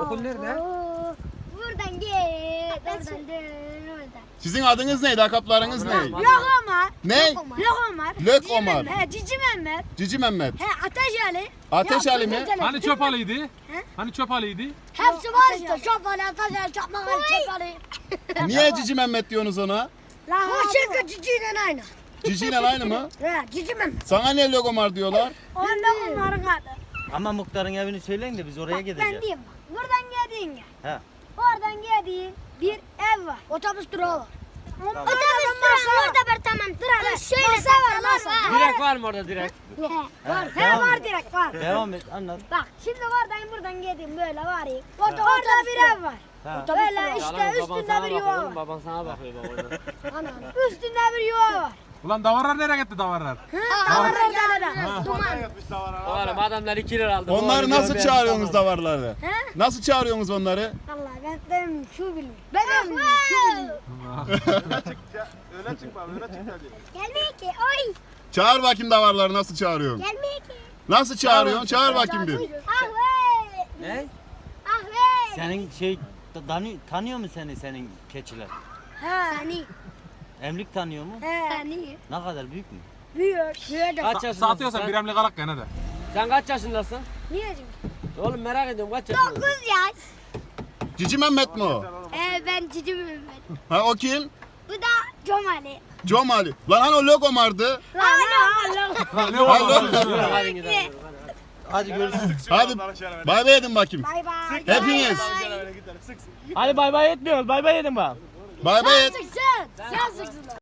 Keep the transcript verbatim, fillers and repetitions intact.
Okul nerede? Oo, buradan git. Oradan dön. Oradan. Sizin adınız neydi? Lakaplarınız ne? Tamam. Lok Ömer. Ne? Lok Ömer. Lök Cici Ömer. Mehmet, He Cici Mehmet. Cici Mehmet. He Ateş Ali. Ateş Ya, Ali mi? Ateş Ali. Hani çöp alıydı? He? Hani çöp alıydı? Hepsi var işte. Çapalı, ateşler, çakmaklar, çapalı. Niye Cici Mehmet diyorsunuz ona? La Bu şirket ciciyle aynı. Cici ile aynı mı? He Cici Mehmet. Sana niye Lök Ömer diyorlar? O Lok Ömer'in adı. Ama muhtarın evini söyleyin de biz oraya Bak, ben gideceğiz. diyeyim bak. Buradan geldiğin ya. He. Oradan geldiğin bir ev var. Otobüs durağı var. Ondan Otobüs sonra durağı orada bir tamam. Dur şöyle masa var masa. Direkt var mı orada direkt? Var. He devam var et. direkt var. Devam et anlat. Bak şimdi oradan buradan geldim böyle var ya. Orada, orada bir ev var. Ha. Böyle işte üstünde bir yuva var. Baban sana bakıyor bak orada. Üstünde bir yuva var. Ulan davarlar nereye gitti davarlar? Davarlar da. Duman. Oğlum adamlar iki lira aldı. Onları nasıl çağırıyorsunuz davarları? He? Nasıl çağırıyorsunuz onları? Vallahi ben benim şu bilmiyorum. Benim şu bilmiyorum. Öne çıkma, öne çık hadi. Gelmiyor ki. Oy. Çağır bakayım davarları nasıl çağırıyorsun? Gelmiyor ki. Nasıl çağırıyorsun? Çağır bakayım bir. Ahve. Ne? Ahve. Senin şey tanıyor, tanıyor mu seni senin keçiler? He. Sani. Emlik tanıyor mu? He. Sani. Ne kadar büyük mü? Büyüyor. Büyüyor da. Kaç yaşındasın Satıyorsan sen? Bir emlik alak gene de. Sen kaç yaşındasın? Niye çünkü? Oğlum merak ediyorum kaç yaşındasın? Dokuz yaş. Cici Mehmet mi o? Ee, ben Cici Mehmet. Ha o kim? Bu da Comali. Comali. Lan hani o Lök Ömer'di? Lan lan lan. Ne oldu? Hadi. Hadi görüşürüz. Hadi bay bay edin bakayım. Bay bay. Hepiniz. Öyle gidelim, sık sık. Hadi bay bay etmiyoruz. Bay bay edin bak. Bay bay et. Sen. Sen sıksın.